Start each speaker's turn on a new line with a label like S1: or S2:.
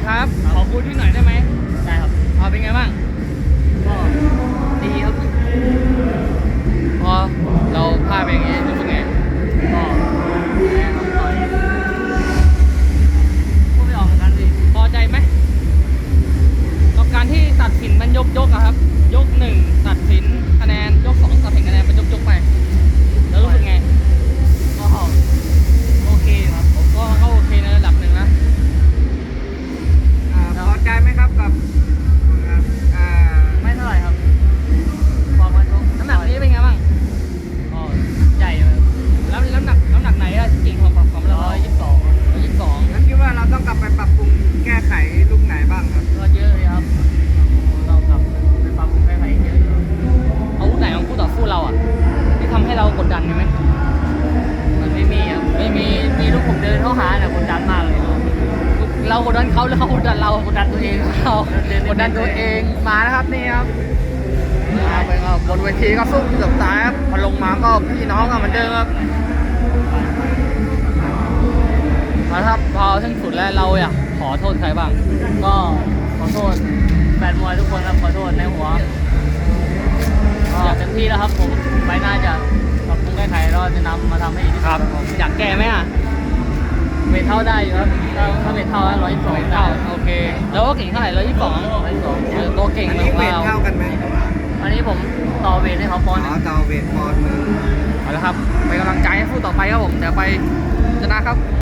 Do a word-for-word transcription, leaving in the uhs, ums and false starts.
S1: ครับ ขอคุยที่หน่อยได้ไหม
S2: ได้ครับ
S1: เอาเป็นไงบ้าง
S2: ก็ดีครับ
S1: พอเราพลาดไปอย่างงี้รู้สึกไง
S2: ก็แพ้ครับต่อยพูดไม่ออกเหมือนกันดิ
S1: พอใจไหมกับการที่ตัดสินมันยกยกอะครับ ยกหนึ่งตัดสินคะแนนยกสองตัดสินคะแนนเป็นยกยกไป แล้วรู้สึกไง
S2: ก็โอเคครับ
S1: ผมก็ก็โอเคในระดับหนึ่งนะ
S3: อ่าพอใจไหมครับกับอ่า
S2: ไม่เท่าไหร่ครับพอมาชก
S1: น้ำหนักนี้เป็นไงบ้าง
S2: ก็ใหญ่เลย
S1: แล้วน้ำหนักน้ำหนักไหนอะจริงของของเรา
S2: ร้อยยี่สิบสอง
S1: ร้อยยี่สิบสอง
S3: แล้วคิดว่าเราต้องกลับไปปรับปรุงแก้ไขลูกไหนบ้างครับ
S2: ก็เยอะเลยครับเรากลับไปปรับปรุงแก้ไขเยอะเลย
S1: อาวุธไหนของคู่ต่อสู้เราอะที่ทำให้เรากดดันไหม
S2: มันไม่มีครับไม่มีมีลูกผมเดินเข้าหาเนี่ยกดดันมากเลยครับ
S1: เรากดดันเขาหรือเขากดดันเรา
S2: กดดันตัวเอง
S1: เรากดดันตัวเองมานะครับนี่ครับเอาไปครับบนเวทีก็สู้เกือบตายครับพอลงมาก็พี่น้องกันเหมือนเดิมครับเอาละครับพอถึงสุดแล้วเราอยากขอโทษใครบ้าง
S2: ก็ขอโทษแฟนมวยทุกคนครับขอโทษในหัวก็เต็มที่แล้วครับผมไปหน้าจะปรับปรุงแก้ไขแล้วจะนำมาทำให้ดีที่สุดครับผม
S1: อยากแก้ไหมอ่ะ
S2: เวทเท่าได้อยู่ครับถ้าถ้าเวทเท่าร้อยยี่สิบสอง
S1: เก้า
S2: ได้
S1: โอเค แล้วก็เก่งเท่าไหร่ร้อยยี่สิบสอง
S2: ร้อยยี่สิบสอง
S1: ตัวเก่ง
S3: อัน
S1: ข
S3: นี้
S1: อง
S3: เวท
S1: เรา
S3: เท่ากันไหม
S2: อันนี้ผมต่อเวทให้เขาปอนด์ห
S3: อ๋
S2: นึ่
S3: อง เตาเวทปอนด์หนึ่ง
S1: เอาละครับเป็นกำลังใจให้ผู้ต่อไปครับผมเดี๋ยวไปชนะครับ